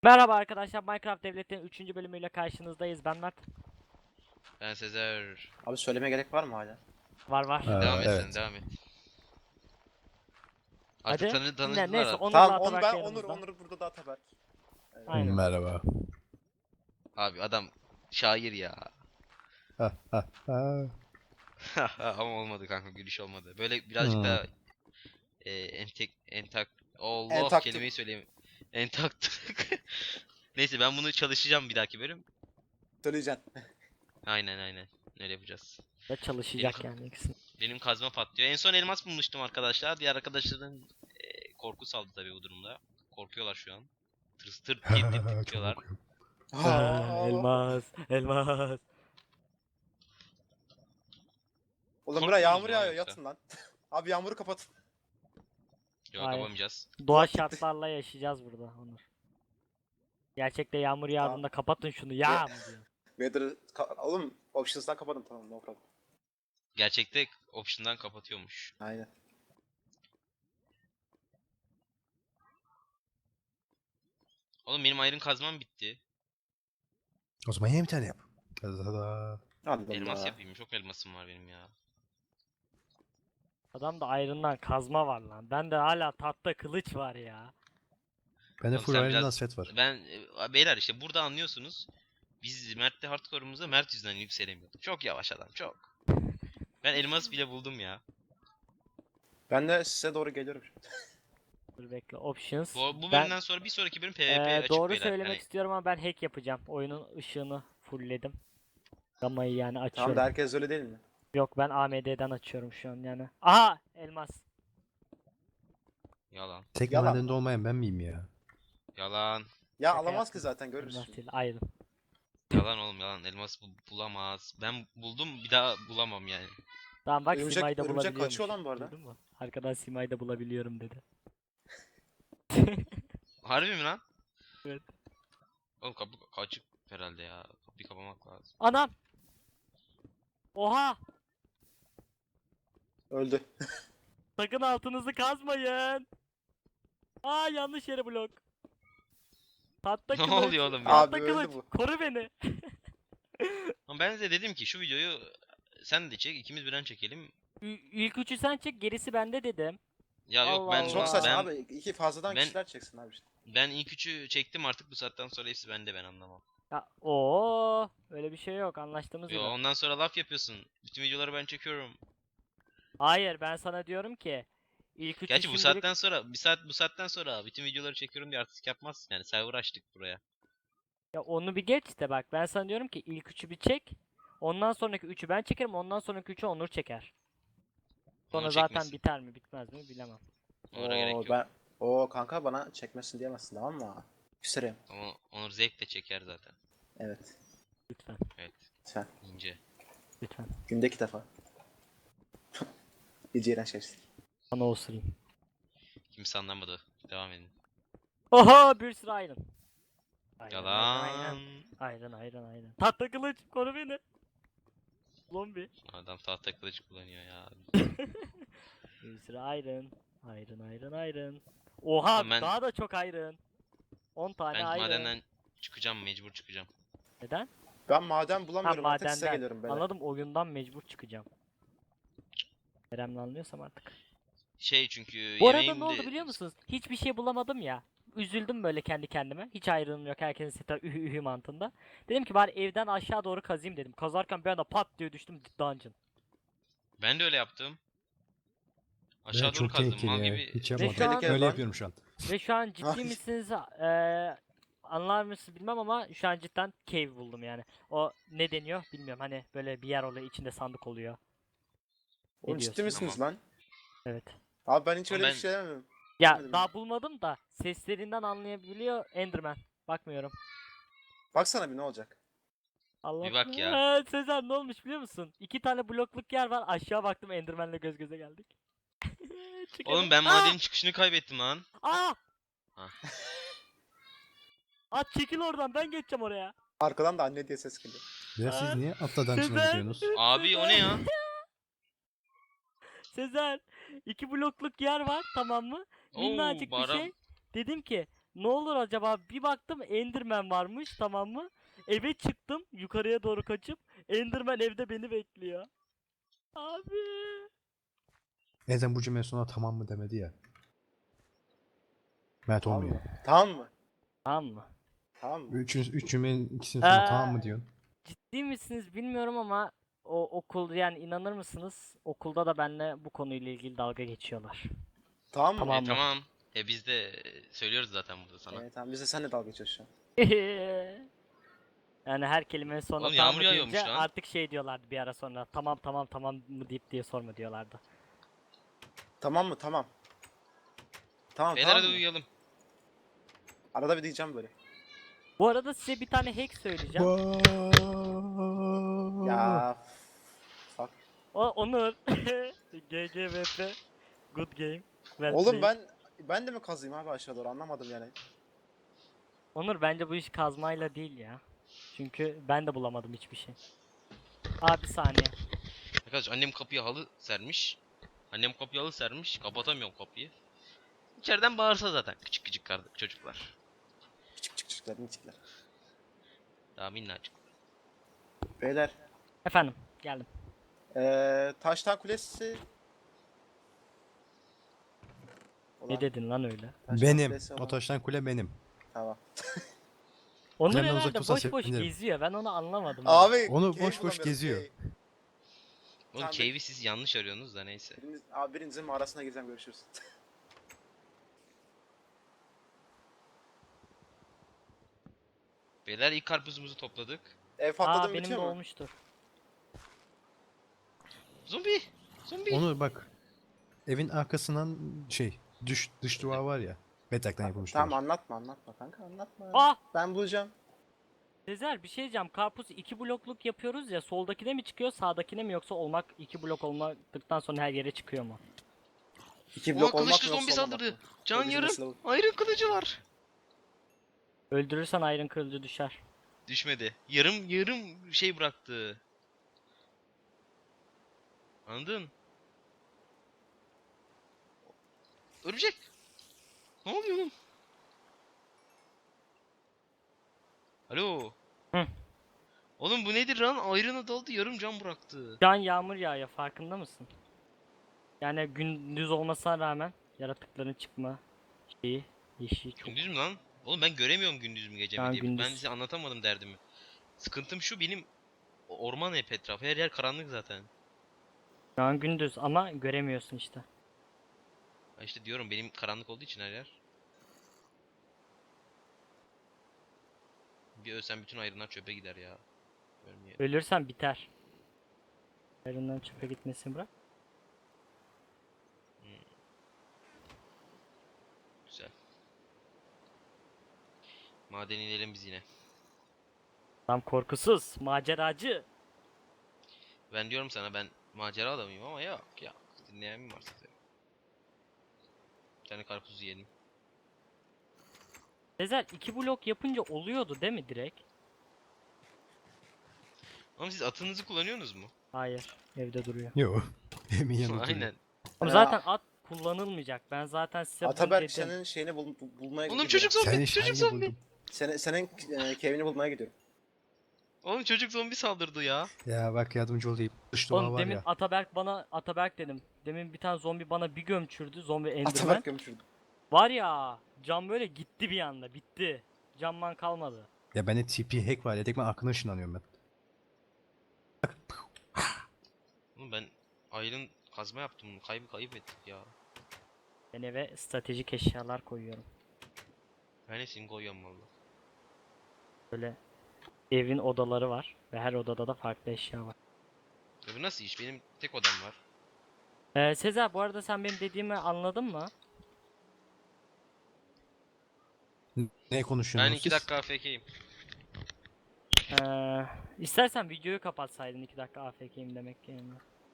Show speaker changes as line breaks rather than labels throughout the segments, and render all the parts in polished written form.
Merhaba arkadaşlar, Minecraft Devlet'in 3. bölümüyle karşınızdayız. Ben Mert.
Ben Sezer.
Abi söylemeye gerek var mı hala?
Var.
Devam et sen
Evet.
devam et. Artık
Hadi.
tanıdılar
Neyse,
artık.
Onur'la
Tamam
Atabak
ben
yanımızda.
Onur burada da Ataberk.
Aynen.
Merhaba.
Abi adam şair ya.
Ha, ha, ha.
Ama olmadı kanka, gülüş olmadı. Böyle birazcık
Hmm.
daha entak Allah
Entaktık.
kelimeyi söyleyeyim. Entaktık. Neyse ben bunu çalışacağım bir dahaki bölüm.
Söyleyeceksin.
Aynen. Öyle yapacağız.
Ve çalışacak
Benim-
yani ikisi.
Benim kazma patlıyor. En son elmas bulmuştum arkadaşlar. Diğer arkadaşların korku saldı tabii bu durumda. Korkuyorlar şu an. Tırs tır diye
Çok
titriyorlar.
okuyorum.
Elmas.
Oğlum
Korkmuyoruz
buraya yağmur
mu
yağıyor
yoksa?
yatın lan. Abi yağmuru kapatın.
Yok
Hayır.
yapamayacağız.
Doğa şartlarla yaşayacağız burada Onur. Gerçekte yağmur yağdığında kapatın şunu ya mı diyor.
Oğlum options'dan kapatın tamam no problem.
Gerçekte option'dan kapatıyormuş.
Aynen.
Oğlum benim iron kazmam bitti.
O zaman yine bir tane yap. Tada.
Allah
Elmas
Allah.
yapayım. Çok elmasım var benim ya.
Adamda ayrından kazma var lan. Bende hala tahta kılıç var ya.
Bende
Oğlum
full
sen
Iron
biraz-
Dance set var.
Ben beyler işte burada anlıyorsunuz. Biz Mert'le hardcore'umuzda Mert yüzünden yükselemiyorduk. Çok yavaş adam çok. Ben elmas bile buldum ya.
Ben de size doğru geliyorum şimdi.
Dur bekle. Options.
Bu
Ben
bölümden sonra bir sonraki bölüm PvP açık
doğru
beyler.
söylemek
Hani
istiyorum ama ben hack yapacağım. Oyunun ışığını fullledim. Gamayı yani
Tamam
açıyorum.
da herkes öyle değil mi?
Yok, ben AMD'den açıyorum şu an yani. Aha, elmas.
yalan.
Tek
Yalan.
madende olmayan ben miyim ya?
Yalan.
Ya
Şaka
alamaz ki
yaptım.
zaten görürüz
Elmas
şimdi.
değil, ayrı.
Yalan oğlum yalan. Elmas bulamaz. Ben buldum bir daha bulamam yani.
Tamam bak,
Örümcek-
Sima'yı da
örümcek
bulabiliyormuş.
kaçıyor lan bu arada.
Duydun mu? Arkadan Sima'yı da bulabiliyorum dedi.
Harbi mi lan?
Evet.
Oğlum kapı açık herhalde ya. Kapıyı kapamak lazım.
Anam! Oha!
Öldü.
Sakın altınızı kazmayın. Aa, yanlış yere blok. Tahta
Ne
kılıç.
oluyor oğlum ya?
Tahta
Abi öldü
kılıç.
bu.
Koru beni.
Ama ben de dedim ki şu videoyu sen de çek, ikimiz birden çekelim.
İlk üçü sen çek, gerisi bende dedim.
Ya yok
Allah
ben
Allah.
Çok saçma
ben
abi. İki fazladan
ben-
kişiler çeksin abi işte.
ben ilk üçü çektim, artık bu saatten sonra hepsi bende, ben anlamam.
Ya öyle bir şey yok, anlaştığımız
Yo
gibi.
ondan sonra laf yapıyorsun. Bütün videoları ben çekiyorum.
Hayır, ben sana diyorum ki ilk üçü
Gerçi bu
şimdilik-
saatten sonra bu saatten sonra bütün videoları çekiyorum diye artık yapmazsın yani, server açtık buraya.
Ya onu bir geç de bak, ben sana diyorum ki ilk üçü bir çek. Ondan sonraki üçü ben çekerim, ondan sonraki üçü Onur çeker. Sonra
Onur
zaten
çekmesin.
biter mi bitmez mi bilemem.
Onur'a gerek yok.
Kanka bana çekmesin diyemezsin tamam mı? Küserim.
Ama Onur zevkle çeker zaten.
Evet.
Lütfen,
Evet.
Lütfen.
İnce.
lütfen.
Günde 2 defa. İyice iğrenç geçti.
Bana osurayım.
Kimse anlamadı. Devam edin.
Oha, bir sürü iron.
Yalan.
Aynen. Tahta kılıç, koru beni. Zombi.
Adam tahta kılıç kullanıyor ya.
Bir sürü iron. Oha,
Ama ben-
daha da çok iron. 10 tane
Ben
iron.
madenden çıkacağım, mecbur çıkacağım.
Neden?
Ben maden
Ha,
bulamıyorum artık size
madenden.
geliyorum beyler.
Anladım, oyundan mecbur çıkacağım. Kerem'le anlıyorsam artık.
Şey çünkü
Bu arada
yemeğim
ne oldu
de-
biliyor musunuz? Hiçbir şey bulamadım ya. Üzüldüm böyle kendi kendime. Hiç ayrılım yok. Herkesin seta ühü mantığında. Dedim ki bari evden aşağı doğru kazayım dedim. Kazarken bir anda pat diye düştüm dungeon.
Ben de öyle yaptım.
Ben
Aşağı doğru
çok
kazdım
tehlikeli
mal
ya.
gibi.
Hiç
Ve
yapmadım.
şu an-
Tehlikeli
Öyle
lan.
yapıyorum şu an.
Ve şu an ciddi
Ay.
misiniz? Anlar mısınız bilmem ama şu an cidden cave buldum yani. O ne deniyor bilmiyorum. Hani böyle bir yer oluyor, içinde sandık oluyor.
Oğlum ciddi
diyorsun?
misiniz lan?
Evet.
Abi ben hiç
Ama
öyle
ben-
bir şey demiyorum.
Ya
Bilmedim
daha
ya.
bulmadım da seslerinden anlayabiliyor Enderman. Bakmıyorum.
Baksana bir ne olacak?
Allah
Bir bak ya.
Sezer, ne olmuş biliyor musun? 2 tane blokluk yer var. Aşağı baktım, Enderman'le göz göze geldik. Çıkalım.
Oğlum ben
Aa!
madenin çıkışını kaybettim lan.
Aa!
Ha.
At, çekil oradan, ben geçeceğim oraya.
Arkadan da anne diye ses geliyor.
Ya siz niye atla dungeon'a
Sezer.
gidiyorsunuz?
Abi o ne ya?
Sezer, 2 blokluk yer var, tamam mı?
Oo,
Minnacık bir
bara-
şey. Dedim ki Ne olur acaba? Bir baktım Enderman varmış, tamam mı? Eve çıktım yukarıya doğru kaçıp Enderman evde beni bekliyor. Abi.
Ezen bu cümle sonra tamam mı demedi ya. Mert
Tamam
olmuyor.
mı? Tamam mı?
Tamam mı?
Tamam mı?
Üç cümlenin ikisini sonra tamam mı diyorsun?
Ciddi misiniz bilmiyorum ama o okul, yani inanır mısınız? Okulda da benimle bu konuyla ilgili dalga geçiyorlar.
Tamam mı?
Tamam. mı?
Tamam. Biz de söylüyoruz zaten burada sana.
Tamam biz de seninle dalga geçiyoruz şu an.
Yani her kelimenin sonuna
Oğlum
tamam
yağmur
mı
yağıyormuş
deyince
lan.
artık şey diyorlardı bir ara sonra. Tamam tamam tamam mı deyip diye sorma diyorlardı.
Tamam mı? Tamam. Tamam
Beyler
tamam
hadi
mı?
uyuyalım.
Arada bir diyeceğim böyle.
Bu arada size bir tane hack söyleyeceğim.
Ya fuck.
O Onur. GGVP. Good game. Well
Oğlum
played.
ben de mi kazıyım abi aşağı doğru anlamadım yani.
Onur bence bu iş kazmayla değil ya. Çünkü ben de bulamadım hiçbir şey. Abi bir saniye.
Arkadaş annem kapıya halı sermiş. Annem kapıya halı sermiş. Kapatamıyorum kapıyı. İçeriden bağırsa zaten küçük küçük çocuklar.
Küçük küçük çocuklar minicikler.
Daha minnacık.
Beyler.
Efendim geldim.
Taştan Kulesi.
Ne
Ulan,
dedin lan öyle?
Taştan
Benim.
Kulesi
O
olan-
taştan kule benim.
Tamam.
Onur
Kulemden
herhalde
uzak dursan
boş boş
sevinirim.
geziyor. Ben onu anlamadım.
Abi.
Onu
cave
boş boş
bulamıyorum,
geziyor.
cave.
Oğlum
Tamam,
cave'i siz yanlış arıyorsunuz da neyse.
Birinizin mağarasına gireceğim görüşürüz.
Beyler ilk karpuzumuzu topladık.
Ev patladı
Aa
mı
benim de
bitiyor mu?
olmuştur.
Zombi! Zombi!
Onu bak. Evin arkasından dış duvar var ya. Betaktan yapılmış
Tamam
duvar.
anlatma kanka anlatma.
Ah!
Ben bulacağım.
Sezer bir şey diyeceğim. Karpuz 2 blokluk yapıyoruz ya. Soldakine mi çıkıyor, sağdakine mi, yoksa olmak 2 blok olmadıktan sonra her yere çıkıyor mu?
2
Oha
blok olmak
kılıçlı
mı
zombi
yoksa olmamak
saldırdı.
mı?
Can
Bizim
yarım.
mesele bu.
Ayrı kılıcı var.
Öldürürsen ayrın kılıcı düşer.
Düşmedi. Yarım şey bıraktı. Anladın? Örümcek. Ne oluyor oğlum? Alo.
Hı.
Oğlum bu nedir lan? Ayrına daldı yarım can bıraktı.
Şu an yağmur yağıyor, farkında mısın? Yani gündüz olmasına rağmen yaratıkların çıkma şeyi, yeşil çok.
Gündüz mü lan? Oğlum ben göremiyorum gündüz mü gece
Şu
mi
an
diye. Ben
gündüz.
size anlatamadım derdimi. Sıkıntım şu benim orman hep etrafı. Her yer karanlık zaten.
Şu an gündüz ama göremiyorsun işte.
Ha işte diyorum benim karanlık olduğu için her yer. Bir ölsem bütün ayrınlar çöpe gider ya. Ölmeye.
Ölürsen biter. Ayrından çöpe gitmesini bırak.
Güzel. Maden inelim biz yine.
Tam korkusuz, maceracı.
Ben diyorum sana ben macera adamıyım ama yok ya. Dinleyen mi var size? Bir tane karpuz yiyelim.
Sezer 2 blok yapınca oluyordu değil mi direkt?
Ama siz atınızı kullanıyorsunuz mu?
Hayır, evde duruyor.
Yo. Emin yanında duruyor.
Aynen.
Ama
Ya.
zaten at kullanılmayacak. Ben zaten size bunu
Ataberk
dedim.
senin şeyini bulmaya
Oğlum
gidiyorum.
çocuk zombi,
Senin
çocuk
şeyini
zombi.
buldum.
Senin kevini bulmaya gidiyorum.
Oğlum çocuk zombi saldırdı ya.
Ya bak yardımcı olayım. Dış duvar
Oğlum
var
demin
ya.
Ataberk dedim. Demin bir tane zombi bana bir gömçürdü. Zombi Enderman.
Ataberk gömüşürdü.
Var ya, cam böyle gitti bir anda, bitti. Camman kalmadı.
Ya bende TP hack var ya. Tek ben arkadan ışınlanıyorum ben.
Oğlum ben ayrın kazma yaptım. Kayıp ettik ya.
Ben eve stratejik eşyalar koyuyorum.
Ben hepsini koyuyorum valla.
Böyle evin odaları var ve her odada da farklı eşya var.
Ya bu nasıl iş? Benim tek odam var.
Sezer bu arada sen benim dediğimi anladın mı?
Ne konuşuyorsunuz
Ben 2
siz?
dakika AFK'yim.
İstersen videoyu kapatsaydın 2 dakika AFK'yim demek yerine.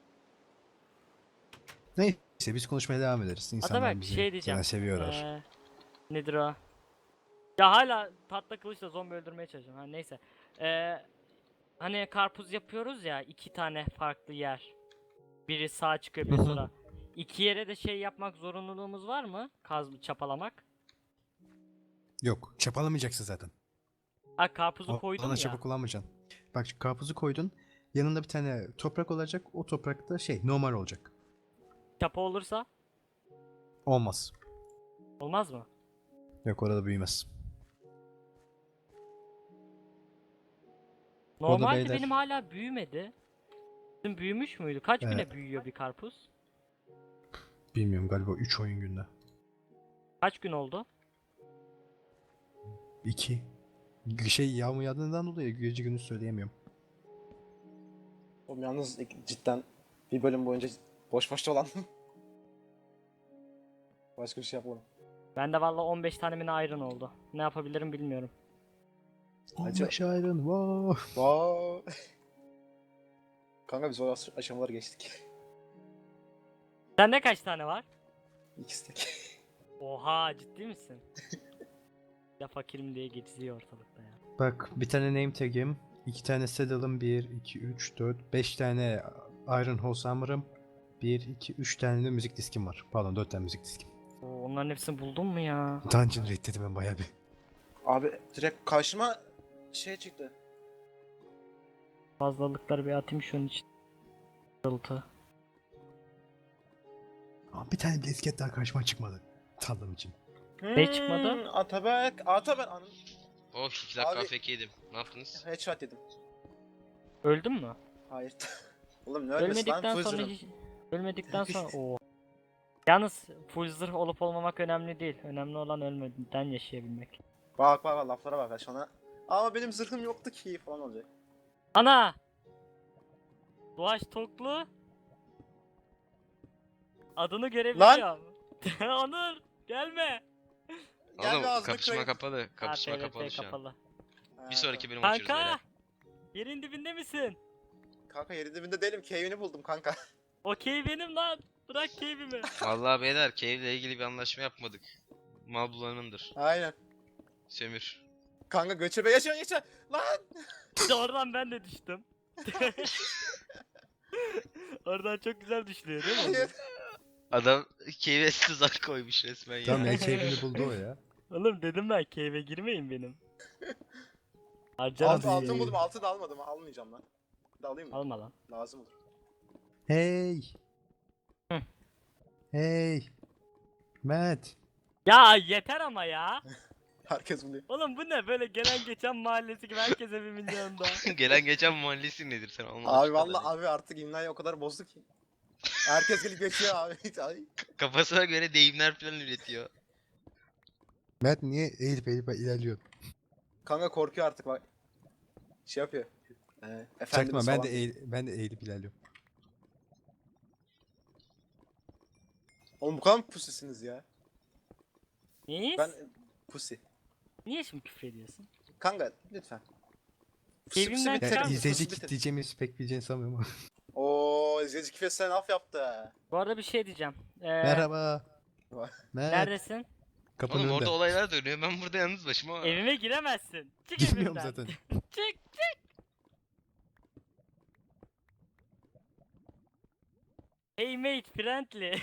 Neyse biz konuşmaya devam ederiz. İnsanlar
Ataberk bir
bizi
şey diyeceğim.
zaten seviyorlar.
Nedir o? Ya hala tatlı kılıçla zombi öldürmeye çalışıyorum. Ha neyse. Hani karpuz yapıyoruz ya, 2 tane farklı yer. Biri sağa çıkıyor bir sonra. 2 yere de şey yapmak zorunluluğumuz var mı? Çapalamak.
Yok, çapalamayacaksın zaten.
Ha karpuzu koydum
Ona
ya.
çapa kullanmayacaksın. Bak şu karpuzu koydun. Yanında bir tane toprak olacak. O toprakta normal olacak.
Çapa olursa
Olmaz.
olmaz mı?
Yok, orada büyümez.
Normalde
beyler.
benim hala büyümedi. Sizin büyümüş müydü? Kaç güne
Evet.
büyüyor bir karpuz?
Bilmiyorum, galiba 3 oyun günde.
Kaç gün oldu?
2. Yağmur yağdığından dolayı gece gündüz söyleyemiyorum.
Oğlum yalnız cidden bir bölüm boyunca boş boş dolandım. Başka bir şey yapmadım.
Bende valla 15 tane mi ne iron oldu. Ne yapabilirim bilmiyorum.
Acı-
15 ayrın. Wow.
Wow. Kanka biz o aşamaları geçtik.
Sende kaç tane var?
İkisi tek.
Oha ciddi misin? Ya fakirim diye geziyor ortalıkta ya.
Bak, bir tane name tag'im, 2 tane saddle'ım, 1, 2, 3, 4, 5 tane Iron Horse Hammer'ım, 1, 2, 3 tane de müzik diskim var. Pardon, 4 tane müzik diskim.
Oo, onların hepsini buldun mu ya?
Dungeon raid'ledim ben bayağı bir.
Abi direkt karşıma şey çıktı.
Fazlalıkları bir atayım şunun için. Dıltı.
Ama bir tane bisiklet daha karşıma çıkmadı. Taldım için.
Ne çıkmadı?
Atabek. Atabek.
Oh 2 dakika
Abi-
AFK yedim. Ne yaptınız?
Headshot yedim.
Öldün mü?
Hayır. Oğlum ne ölmesi lan?
Ölmedikten
Full
sonra
zırhım.
hiç... Ölmedikten sonra o. Yalnız full zırh olup olmamak önemli değil. Önemli olan ölmeden yaşayabilmek.
Bak bak bak laflara bak sana. Ama benim zırhım yoktu ki falan olacak.
Ana! Doğaç Toklu. Adını görebiliyorum. Onur gelme.
Gel
Oğlum
bir ağzını
kapışma
kırayım.
kapalı. Kapışma
Ha, PvP
kapalı şu an.
kapalı.
Bir sonraki bölüm açıyoruz
Kanka!
beyler.
Yerin dibinde misin?
Kanka yerin dibinde değilim. Cave'ini buldum kanka.
Okey benim lan. Bırak keyfimi.
Vallahi beyler Cave ile ilgili bir anlaşma yapmadık. Mal bulanındır.
Aynen.
Sömür.
Kanka göçebe yaşa yaşa. Lan!
İşte oradan ben de düştüm. Oradan çok güzel düşülüyor değil mi?
Hayır.
Adam Cave'e tuzak koymuş resmen ya.
Tamam ya, keyfini buldu o ya.
Oğlum dedim ben cave'e girmeyin benim. Harcarım
Altın, altın
sizi.
buldum. Altın da almadım. Almayacağım lan. Bir de alayım mı?
Alma lan.
Lazım olur.
Hey.
Hı.
Hey. Matt.
Ya yeter ama ya.
Herkes buluyor.
Oğlum bu ne böyle gelen geçen mahallesi gibi herkes evimin yanında.
Gelen geçen mahallesi nedir sen anlamadım.
Abi valla abi artık imlayı o kadar bozdu ki. Herkes gelip geçiyor abi. Ay.
Kafasına göre deyimler falan üretiyor.
Matt niye eğilip ilerliyor?
Kanka korkuyor artık bak. Şey yapıyor.
Çaktırma,
Efendimiz
ben
falan.
de ben de eğilip ilerliyorum.
Oğlum bu kadar mı pusisiniz ya?
Niye?
Ben pusi.
Niye şimdi küfür ediyorsun?
Kanka lütfen.
Evimden
bitir.
çıkar
Ya
mısın?
izleyici
Pusi bitir.
kitleyeceğimizi pek bileceğini sanmıyorum ama.
Ooo izleyici küfür sen af yaptı.
Bu arada bir şey diyeceğim.
Merhaba.
Vay.
Matt.
Neredesin?
Kapının
Oğlum
önünde.
orada olaylar dönüyor. Ben burada yalnız başıma.
Evime giremezsin. Çık
Bilmiyorum
evimden.
zaten.
Çık. Hey mate friendly.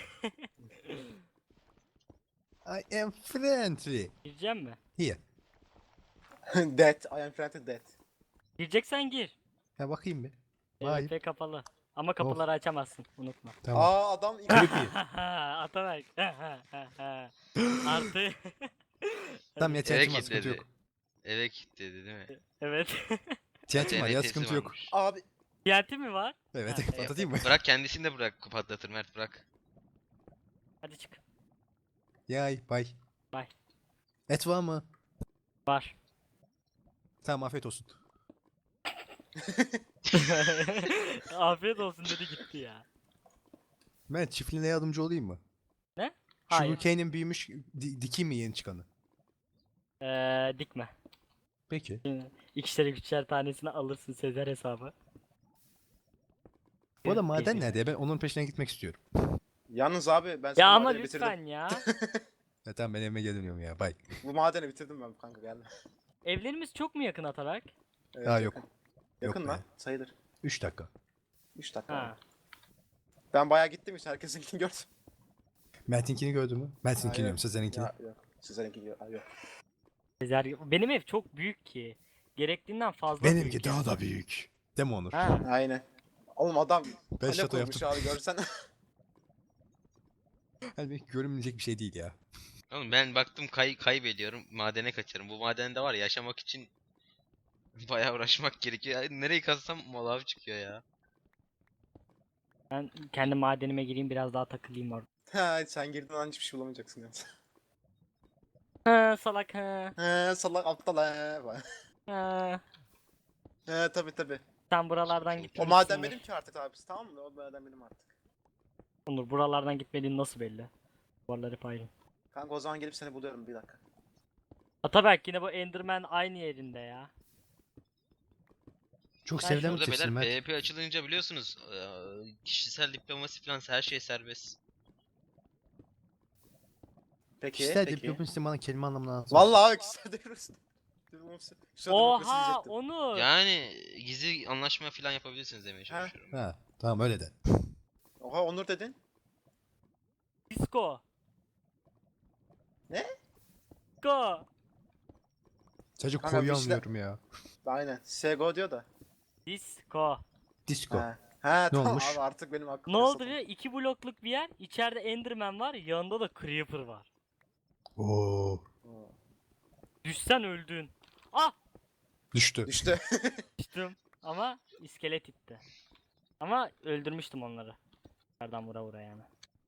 I am friendly.
Gireceğim mi?
Here.
Dead. I am friendly dead.
Gireceksen gir.
Ha, bakayım bir. Vay.
PvP kapalı. Ama kapıları açamazsın. Unutma.
Tamam.
Aa adam
Creepy.
Atanak. Artı.
Tamam ya,
Eve
TNT'm var, sıkıntı
kilitledi.
yok.
Eve kilitledi değil mi?
Evet.
TNT'm var ya,
TNT'si
sıkıntı yok.
varmış.
Abi
TNT mi var?
Evet,
Ha, evet.
patlatayım mı?
Bırak kendisini de bırak patlatır Mert bırak.
Hadi çık.
Yay, bay.
Bay.
Et var mı?
Var.
Tamam, afiyet olsun.
Afiyet olsun dedi gitti ya.
Ben çiftliğine yardımcı olayım mı?
Ne?
Şu
Hayır.
Sugarcane'in büyümüş, dikeyim mi yeni çıkanı?
Dikme.
Peki.
İkişer üçer tanesini alırsın Sezer hesabı.
Bu arada maden nerede ya? Ben onun peşine gitmek istiyorum.
yalnız abi ben
Ya
senin
ama
madeni bitirdim.
lütfen ya.
Ya tamam, ben evime geliyorum ya, bay.
Bu madeni bitirdim ben kanka gelme.
Evlerimiz çok mu yakın Atarak?
Evet,
Ha, yok.
yakın. Yakın
Yok
lan
be.
sayılır.
3 dakika.
3 dakika.
Ha.
Ben bayağı gittim işte herkesinkini gördüm.
Mert'inkini gördün mü? Mert'inkini
Hayır.
diyorum, Sezer'inkini.
Ya, yok. Sizlerinki yok. Ha, yok.
Benim ev çok büyük ki. Gerektiğinden fazla
Benimki
büyük
daha
yani.
da büyük. Değil mi Onur?
Ha.
Aynen. Oğlum adam
Ben
kale
şato
kurmuş
yaptım.
abi görsen.
Yani belki görünmeyecek bir şey değil ya.
Oğlum ben baktım kaybediyorum. Madene kaçarım. Bu madende var ya, yaşamak için bayağı uğraşmak gerekiyor. Ya, nereyi kazsam malav çıkıyor ya.
Ben kendi madenime gireyim biraz daha takılayım orada.
Ha, sen girdin an hiçbir şey bulamayacaksın yalnız.
Ha, salak ha.
He salak aptal he.
Ha.
He tabi tabi.
Sen buralardan
Çok-
O
gitmelisin.
maden benim ki artık abisi, tamam mı? O maden benim artık.
Onur buralardan gitmediğin nasıl belli? Duvarları hep ayrı.
Kanka o zaman gelip seni buluyorum bir dakika.
Ataberk yine bu Enderman aynı yerinde ya.
Çok
Ben
sevilen bir
Burada
tekstil
beyler
Mert.
PvP açılınca biliyorsunuz kişisel diplomasi falan her şey serbest.
Peki
Kişisel
peki.
diplomasi bana kelime anlamına lazım.
Vallahi kişisel demokrasi. Şu demokrasi
Oha
diyecektim.
Onur.
Yani gizli anlaşma falan yapabilirsiniz demeye çalışıyorum.
Ha, tamam öyle de.
Oha Onur dedin.
Disco.
Ne?
Disco.
Çocuk
Kanka,
koyu
bir şeyler-
anlıyorum ya.
Aynen. Sego diyor da.
Disco.
Disco.
He. He tamam
olmuş?
abi artık benim aklım.
Ne oldu biliyor musun? 2 blokluk bir yer. İçeride Enderman var. Yanında da Creeper var.
Oo.
Düşsen öldün. Ah!
Düştü.
Düştü.
Düştüm. Ama iskelet itti. Ama öldürmüştüm onları. Nereden vura vura yani.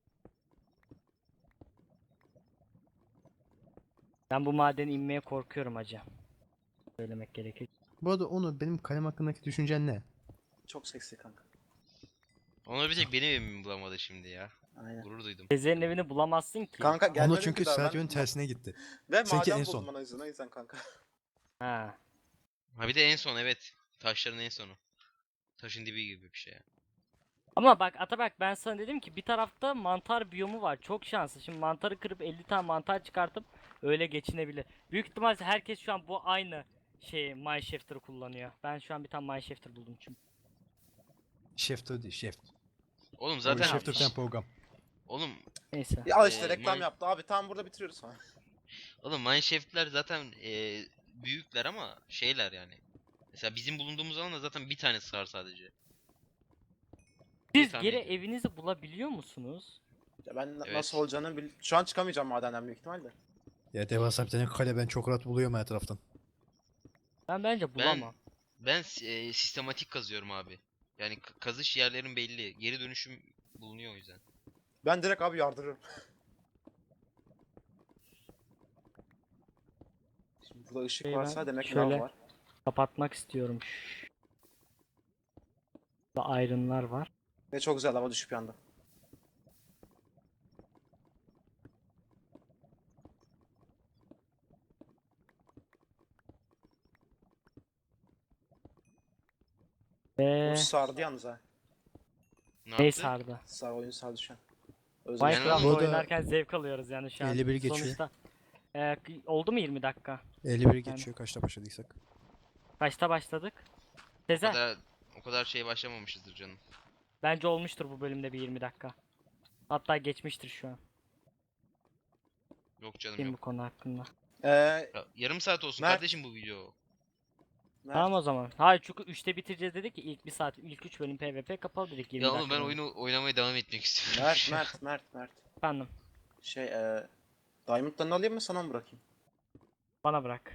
Ben bu madene inmeye korkuyorum hacı. Söylemek gerekir.
Bu arada Onur benim kalem hakkındaki düşüncen ne?
Çok seksi kanka.
Onlar bir tek benim evimi bulamadı şimdi ya.
Aynen.
Gurur duydum.
Sezer'in evini bulamazsın ki.
Kanka gelmedim
Onur çünkü
ki daha ben.
Sergio'nun tersine gitti.
Ve
Seninki
maden
en son.
buldum o yüzden kanka.
Ha.
Ha bir de en son, evet. Taşların en sonu. Taşın dibi gibi bir şey.
Ama bak Atabak ben sana dedim ki bir tarafta mantar biyomu var. Çok şanslı. Şimdi mantarı kırıp 50 tane mantar çıkartıp öyle geçinebilir. Büyük ihtimalle herkes şu an bu aynı Mineshifter'ı kullanıyor. Ben şu an bir tane Mineshifter buldum çünkü.
Şef değil, şef.
Oğlum
Zaten
zaten...
şef tane program.
Oğlum,
Neyse.
Ya al işte reklam
Mine-
yaptı abi, tam burada bitiriyoruz falan.
oğlum Mineshaft'ler zaten büyükler ama şeyler yani. Mesela bizim bulunduğumuz alanda zaten bir tane sığar sadece. diye
Siz
tahmin
geri
ediyorum.
evinizi bulabiliyor musunuz?
Ya ben
Evet.
nasıl olacağını şu an çıkamayacağım madenden büyük ihtimalle.
Ya devasa bir tane kale ben çok rahat buluyorum her taraftan.
Ben bence bulamam.
Ben sistematik kazıyorum abi. Yani kazış yerlerin belli. Geri dönüşüm bulunuyor o yüzden.
Ben direkt abi yardırırım. Şimdi burada ışık
Şey,
varsa
ben
demek ki
şöyle-
lav var.
Kapatmak istiyorum. Burada iron'lar var.
Ve çok güzel lava düşüp yandı.
Ve
Bu sardı yalnız ha.
Ne
ne
yaptı?
sardı?
Oyun sardı şu an. Özel.
Minecraft
Bu da-
oynarken zevk alıyoruz yani şu an.
51 geçiyor.
Sonuçta oldu mu 20 dakika?
51 geçiyor kaçta başladıysak.
Kaçta başladık?
O
Sezer,
kadar, o kadar şey başlamamışızdır canım.
bence olmuştur bu bölümde bir 20 dakika. Hatta geçmiştir şu an.
Yok canım
Kim bu
yok.
konu hakkında?
Yarım saat olsun
Mert.
kardeşim bu video.
Mert,
Tamam o zaman. Hayır çünkü 3'te bitireceğiz dedik ki ilk 1 saat, ilk 3 bölüm PvP kapalı dedik 20
Ya
dakika.
oğlum ben
boyunca.
oyunu oynamaya devam etmek istiyorum.
Mert.
Efendim,
Şey Diamond'larını alayım mı sana mı bırakayım?
bana bırak.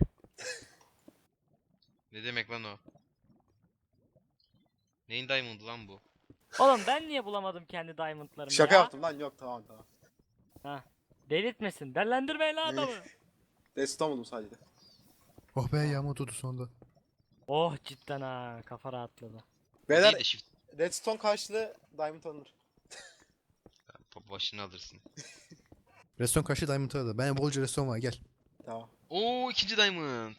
Ne demek lan o? Neyin diamond'ı lan bu?
Oğlum ben niye bulamadım kendi diamondlarımı
Şaka
ya?
yaptım lan, yok tamam.
Delirtmesin. Dellendirmeyin lan adamı.
Deston buldum sadece.
Oh be yağmur durdu sonunda.
Oh cidden ha, kafa rahatladı.
Beyler
Değil de shift
redstone karşılığı diamond alınır.
başını alırsın.
Reston kaçtı Diamond aradı. Ben bolca reston var gel.
Tamam.
Oo, ikinci diamond.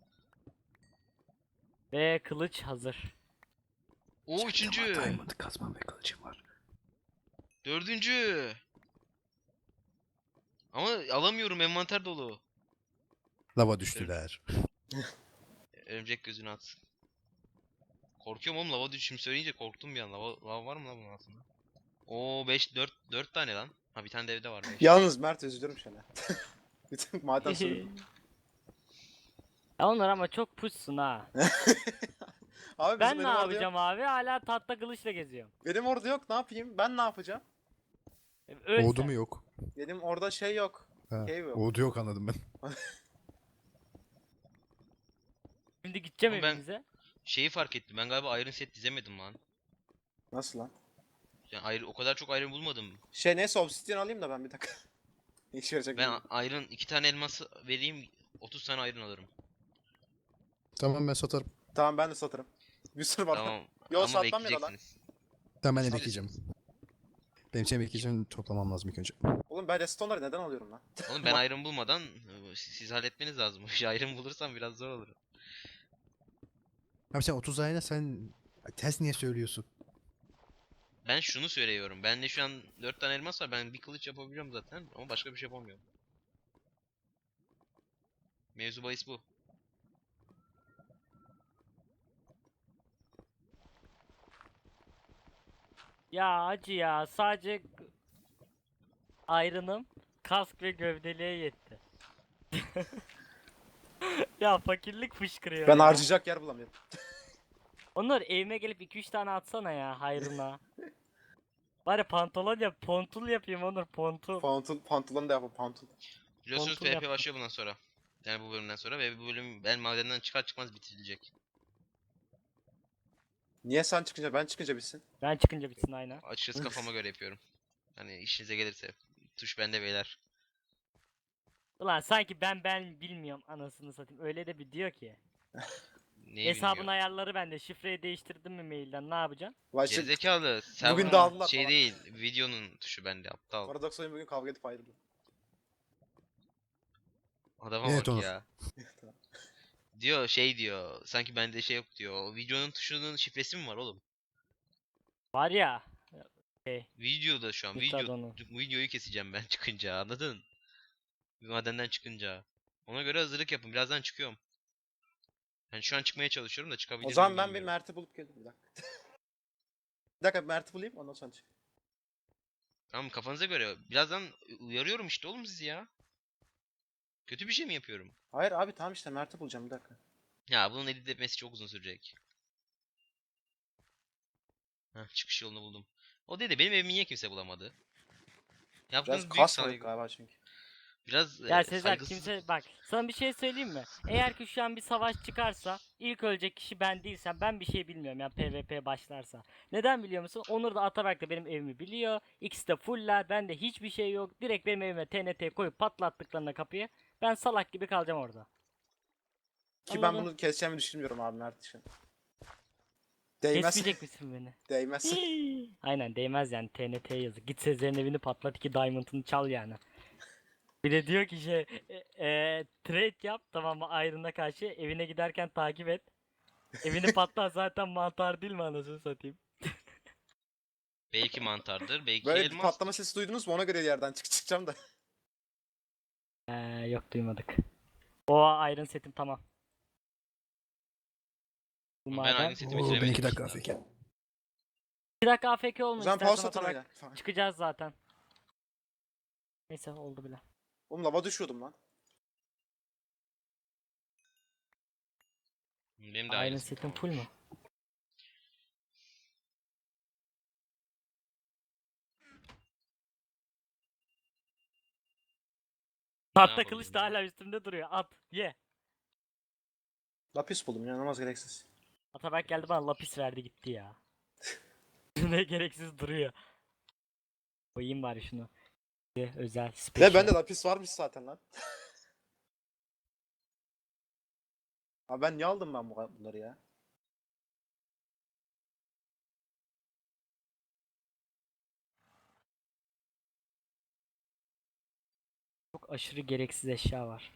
Ve kılıç hazır.
Oo, üçüncü.
Diamond kazmam ve kılıcım var.
Dördüncü. Ama alamıyorum, envanter dolu.
Lava düştüler.
Örümcek gözünü atsın. Korkuyorum oğlum, lava düşüm söyleyince korktum bir an. Lava var mı lan bunun altında? Oo 4 tane lan. Ha bir tane de evde var. Beş.
Yalnız Mert üzülürüm şöyle. Bütün maden sonu.
Ya onlar ama çok puşsun ha.
Abi
Ben ne
benim orada yok.
yapacağım abi? Hala tahta kılıçla geziyorum.
Benim orada yok, ne yapayım? Ben ne yapacağım?
Öl
Oğdu
sen.
mu yok?
Benim orada şey yok.
Ha.
Cave yok.
Oğdu yok anladım ben.
Şimdi gideceğim
Ama ben
evimize.
şeyi fark ettim. Ben galiba Iron Set dizemedim lan.
Nasıl lan?
Yani o kadar çok Iron bulmadım.
Şey neyse obsidian alayım da ben bir dakika. Ne işe yarayacak
Ben
bilmiyorum.
Iron 2 tane elması vereyim 30 tane Iron alırım.
Tamam ben satarım.
Tamam ben de satırım. Bir sürü var.
Tamam
Yo
ama
satmam ya da lan.
bekleyeceksiniz.
Tamam ben de
Sat-
bekleyeceğim. Benim için bekleyeceğim toplamam lazım ilk önce.
Oğlum ben restonları neden alıyorum lan?
Oğlum ben Iron bulmadan siz halletmeniz lazım. Iron bulursam biraz zor olur.
Abi sen 30 ayına sen ters niye söylüyorsun?
Ben şunu söylüyorum. Bende şu an 4 tane elmas var. Ben bir kılıç yapabiliyorum zaten ama başka bir şey yapamıyorum. Mevzu bahis bu.
Ya acı ya. Sadece ayrınım kask ve gövdeliğe yetti. Ya fakirlik fışkırıyor
Ben
ya.
harcayacak yer bulamıyorum.
Onur evime gelip 2-3 tane atsana ya hayrına. Bari pantolon yap, pontul yapayım Onur, pontul.
Pantolon da yapalım pantolon.
Biliyorsunuz
Kontrol
PvP
yaptım.
başlıyor bundan sonra. Yani bu bölümden sonra ve bu bölüm ben madenden çıkar çıkmaz bitirilecek.
Niye sen çıkınca ben çıkınca bitsin?
Ben çıkınca bitsin aynen.
Açıkçası kafama göre yapıyorum. Hani işinize gelirse. Tuş bende beyler.
Ulan sanki ben bilmiyorum anasını satayım. Öyle de bir diyor ki.
Neyi
Hesabın
bilmiyor.
ayarları bende. Şifreyi değiştirdim mi mailden ne yapacaksın?
Vay şey,
Gerizekalı.
Bugün
Server'ın
dağıldılar
şey
falan.
değil. Videonun tuşu bende aptal.
Paradox oyun bugün kavga edip ayrıldı.
Adama
Evet,
bak
Onur.
ya. Diyor şey diyor. Sanki bende şey yok diyor. O videonun tuşunun şifresi mi var oğlum?
Var ya. Şey,
Videoda şu an.
Yıkladı onu.
Videoyu keseceğim ben çıkınca anladın? Madenden çıkınca. Ona göre hazırlık yapın. Birazdan çıkıyorum. Ben şu an çıkmaya çalışıyorum da
O
çıkabilir
zaman
miyim
ben bir
bilmiyorum.
Mert'i bulup gelirim bir dakika. Bir dakika Mert'i bulayım ondan sonra çık.
Tamam kafanıza göre. Birazdan uyarıyorum işte oğlum sizi ya. Kötü bir şey mi yapıyorum?
Hayır abi tamam işte Mert'i bulacağım bir dakika.
Ya bunun edit etmesi çok uzun sürecek. Heh, çıkış yolunu buldum. O dedi benim evimi niye kimse bulamadı?
Biraz
Yaptığınız büyük
kasmadık
saygı.
galiba çünkü.
Biraz
Ya Sezer
saygısızlık.
kimse bak sana bir şey söyleyeyim mi? Eğer ki şu an bir savaş çıkarsa ilk ölecek kişi ben değilsem ben bir şey bilmiyorum ya PvP başlarsa. Neden biliyor musun? Onur da Atabek de benim evimi biliyor. İkisi de fuller. Bende hiçbir şey yok. Direkt benim evime TNT koyup patlattıklarına kapıyı. Ben salak gibi kalacağım orada.
Ki ben
Anladın?
bunu keseceğimi düşünmüyorum abi Mert için. Değmez.
Kesmeyecek misin beni?
Değmez.
Aynen değmez yani TNT yazık. Git Sezer'in evini patlat 2 diamond'ını çal yani. Bir de diyor ki şey trade yap tamam mı ayrına karşı evine giderken takip et. Evini patlat zaten mantar değil mi anasını satayım.
Belki mantardır, belki
Böyle bir patlama
elmastır.
sesi duydunuz mu ona göre yerden çıkacağım da.
Yok duymadık. O Iron setim tamam. Bu
Ama ben
maden.
aynı setimi
Oo ben
bitiremedim
2 dakika
işte.
afk.
2 dakika AFK
O
olma
zaman
istersen
pause atın
Atabek.
öyle. Falan.
Çıkacağız zaten. Neyse oldu bile.
Oğlum lava düşüyordum lan.
Benim de
Iron
aynı
setim
setim
full mu? Tahta
yapabilirim
kılıç da
ya?
hala üstümde duruyor. At ye.
Lapis buldum ya namaz gereksiz.
Atabek geldi bana lapis verdi gitti ya. Ne gereksiz duruyor. Koyayım bari şunu. Özel
Ve
special.
bende lapis varmış zaten lan. Abi ben niye aldım ben bunları ya?
Çok aşırı gereksiz eşya var.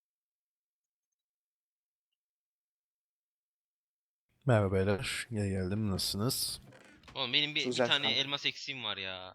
Merhaba beyler. Geri geldim. Nasılsınız?
Oğlum benim bir
Güzel
tane
kanka.
elmas eksiğim var ya.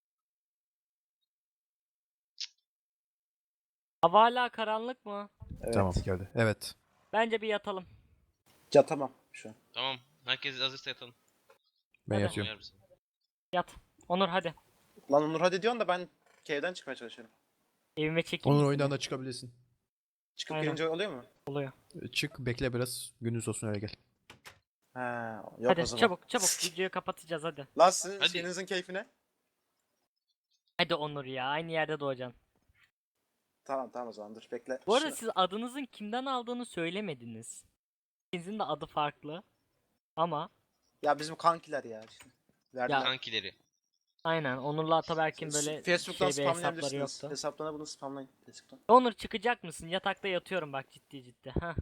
Hava hala karanlık mı?
Evet.
Tamam geldi. Evet.
Bence bir yatalım.
Yatamam şu an.
Tamam. Herkes hazırsa yatalım.
Ben
Hadi.
yatıyorum.
Uyar mısın?
Yat. Onur hadi.
Lan Onur hadi diyorsun da ben cave'den çıkmaya çalışıyorum.
Evime çekeyim
Onur
mi
oyundan
seni?
da çıkabilirsin.
Çıkıp
Aynen.
gelince oluyor mu?
Oluyor.
Çık bekle biraz. Gündüz olsun öyle gel.
He, yok
Hadi
o zaman.
çabuk videoyu kapatacağız hadi.
Lan sizin
Hadi.
şeyinizin keyfine.
Hadi Onur ya, aynı yerde doğacaksın.
Tamam o zaman dur bekle.
Bu arada
Şunu-
siz adınızın kimden aldığını söylemediniz. İkinizin de adı farklı. Ama
Ya bizim kankiler ya. Işte. Verdiler.
Kankileri.
aynen Onur'la Ataberk'in böyle
Facebook'tan
şey bir hesapları
spamlayabilirsiniz.
yoktu.
Hesaplarına bunu spamlayın. Facebook'tan.
Onur çıkacak mısın? Yatakta yatıyorum bak ciddi. Heh.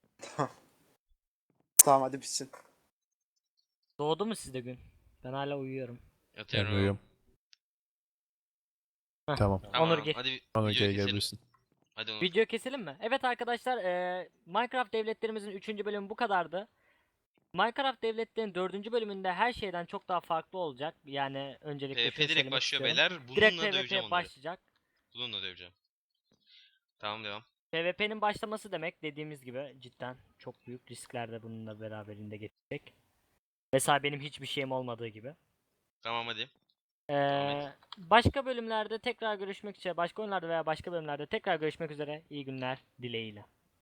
Tamam hadi bitsin.
Doğdu mu sizde gün? Ben hala uyuyorum.
Ben
Yatıyorum.
uyuyorum.
Heh.
Tamam.
Tamam,
Onur gir.
hadi
Sonra
videoyu
geri
keselim.
gelebilirsin.
Hadi Onur.
Video keselim mi? Evet arkadaşlar Minecraft devletlerimizin 3. bölümü bu kadardı. Minecraft devletlerin 4. bölümünde her şeyden çok daha farklı olacak. Yani öncelikle
PvP
şunu
direkt
söylemek
başlıyor
istiyorum.
beyler.
Direkt
Bununla döveceğim
PvP
onları.
başlayacak.
Bununla döveceğim. Tamam devam.
PvP'nin başlaması demek dediğimiz gibi cidden çok büyük riskler de bununla beraberinde getirecek. Mesela benim hiçbir şeyim olmadığı gibi.
Tamam hadi. Devam et.
Başka bölümlerde tekrar görüşmek üzere, başka oyunlarda veya başka bölümlerde tekrar görüşmek üzere. İyi günler dileğiyle.